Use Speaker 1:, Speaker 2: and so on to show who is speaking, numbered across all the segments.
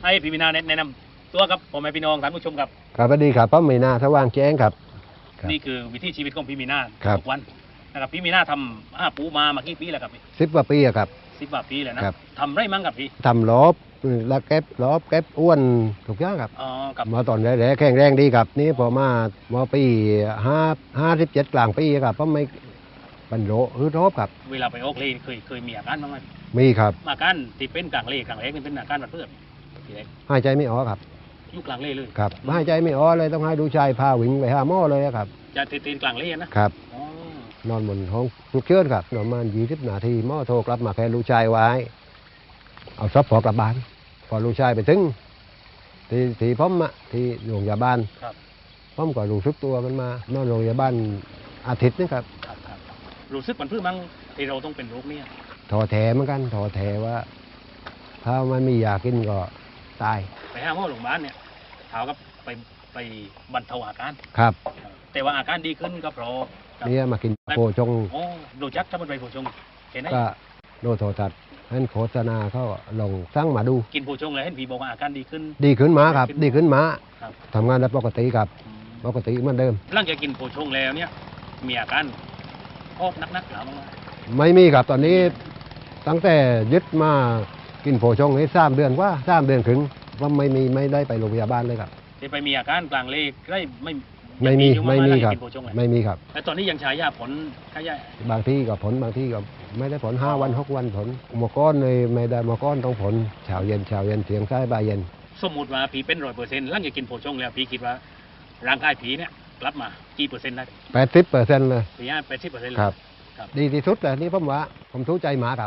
Speaker 1: ให้พี่มีนาแนะนำตัวครับผมแม่พี่น้องท่านผู้ชมครับ
Speaker 2: ครับสวัสดีครับป้ามีนาสว่างแจ้งครับ
Speaker 1: นี่คือวิถีชีวิตของพี่มีนา
Speaker 2: ครับ
Speaker 1: ทุกวันนะครับพี่มีนาทำปูมากี่ปีแล้วครับ
Speaker 2: 10 กว่าปีอะครับ
Speaker 1: 10 กว่าปีแล้วนะครับ ทำไรมั่งครับพี่
Speaker 2: ทำลบแล้วเก็บลบเก็บอ้วนทุกอย่างครับ
Speaker 1: อ๋อครับ
Speaker 2: มาตอนแรกๆแข็งแรงดีครับนี่พอมาปี57กลางปีครับเพราะไม่บรรโลฮึดรบครับ
Speaker 1: เวลาไปออกเลนเคยมีอาการบ้างไหม
Speaker 2: มีครับ
Speaker 1: อาการที่เป็นกลางเลนนี่เป็นอาการแบบเพื่อนทีแรก
Speaker 2: หายใจไม่ออกครับ
Speaker 1: ยุคกลางเลนเลย
Speaker 2: ครับหายใจไม่ออกเลยต้องให้ดูชายพาวิ่งไปหาหมอเลยครับ
Speaker 1: จะตีนกลางเลนนะครับ อ๋อน
Speaker 2: อนบนห้องฉุกเฉินครับประมาณ20 นาทีหมอโทรกลับมาแค่ลูกชายไว้เอาซับพอกลับบ้านพอลูกชายไปถึงที่ผมอะที่โรงพยาบาล
Speaker 1: ครับ
Speaker 2: ผมก็รู้สึกตัวมันมานอนโรงพยาบาลอาทิตย์นึงครับ
Speaker 1: ครับรู้สึกมันเพื่อมั้งที่เราต้องเป็นโรคนี้
Speaker 2: ท้อแท้เหมือนกันท้อแท้ว่า ถ้ามันมียากินก็ตาย
Speaker 1: ไปหาหมอโรงพยาบาลเนี่ยถามกับไปบรรเทาอาการ
Speaker 2: ครับ
Speaker 1: แต่ว่าอาการดีขึ้นก็เพราะครับ
Speaker 2: เนี่ยมากินโพชง
Speaker 1: โอ้ดูจักถ้ามันไปโพชงเห็นไหม
Speaker 2: ก็โดนโทรทัศน์ให้โฆษณาเขาลงสั่งมาดู
Speaker 1: กินโพชงเลยเห็นผีบอกว่าอาการดีขึ้น
Speaker 2: ดีขึ้นมาครับ ดีขึ้นมา
Speaker 1: ครับ
Speaker 2: ทำงานได้ปกติครับ
Speaker 1: อืม
Speaker 2: ปกติเหมือนเดิม
Speaker 1: หลังจากกินโพชงแล้วเนี่ยมีอาการพอกนักๆหรือมั้ง
Speaker 2: ไม่มีครับตอนนี้ตั้งแต่ยึดมากินโพชงนี้3 เดือนกว่า3 เดือนถึงว่าไม่ได้ไปโรงพยาบาลเลยครับ
Speaker 1: ที่ไปมีอาการกลางเลขได้ไม่
Speaker 2: ไม่มี
Speaker 1: อยู่า
Speaker 2: ไม่มี
Speaker 1: หลัง
Speaker 2: ค
Speaker 1: จาก
Speaker 2: รับ
Speaker 1: กินโพชงเลย
Speaker 2: ไม่มีครับ
Speaker 1: แต่ตอนนี้ยังใช้ยาผลใช้ยา
Speaker 2: บางที่ก็ผลบางที่ก็ไม่ได้ผล5 วัน 6 วันผลหมอก้อนเลยไม่ได้หมอก้อนต้องผลเช้าเย็นเสียงซ้ายบ่ายเย็น
Speaker 1: สมมติว่าผีเป็น100%หลังจากกินโพชงแล้วผีคิดว่าร่างกายผีเนี่ยกลับมากี่เปอร์เซ็นต์ได้
Speaker 2: 80%เลย
Speaker 1: ผี80%เลย
Speaker 2: ครับ
Speaker 1: ครับ
Speaker 2: ดีที่สุดเลยนี่ผมว่าผมทุกใจหมาครับ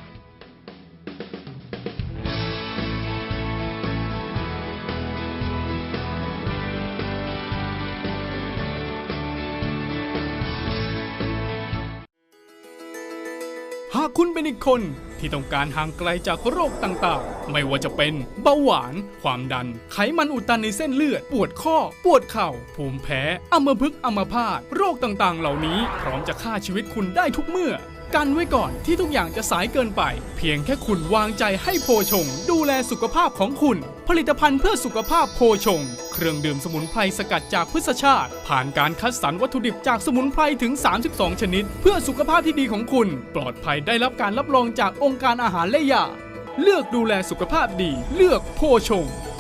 Speaker 3: หากคุณเป็นอีกคนที่ต้องการห่างไกลจากโรคต่างๆ ไม่ว่าจะเป็นเบาหวาน ความดัน ไขมันอุดตันในเส้นเลือด ปวดข้อ ปวดเข่า ภูมิแพ้ อัมพฤกษ์อัมพาต โรคต่างๆ เหล่านี้พร้อมจะฆ่าชีวิตคุณได้ทุกเมื่อ กันไว้ก่อนที่ทุกอย่างจะสายเกินไป เพียงแค่คุณวางใจให้โพชง ดูแลสุขภาพของคุณ ผลิตภัณฑ์เพื่อสุขภาพโพชง เครื่องดื่มสมุนไพรสกัดจากพืชชาติ ผ่านการคัดสรรวัตถุดิบจากสมุนไพรถึง 32 ชนิด เพื่อสุขภาพที่ดีของคุณ ปลอดภัยได้รับการรับรองจากองค์การอาหารและยา เลือกดูแลสุขภาพดี เลือกโพชง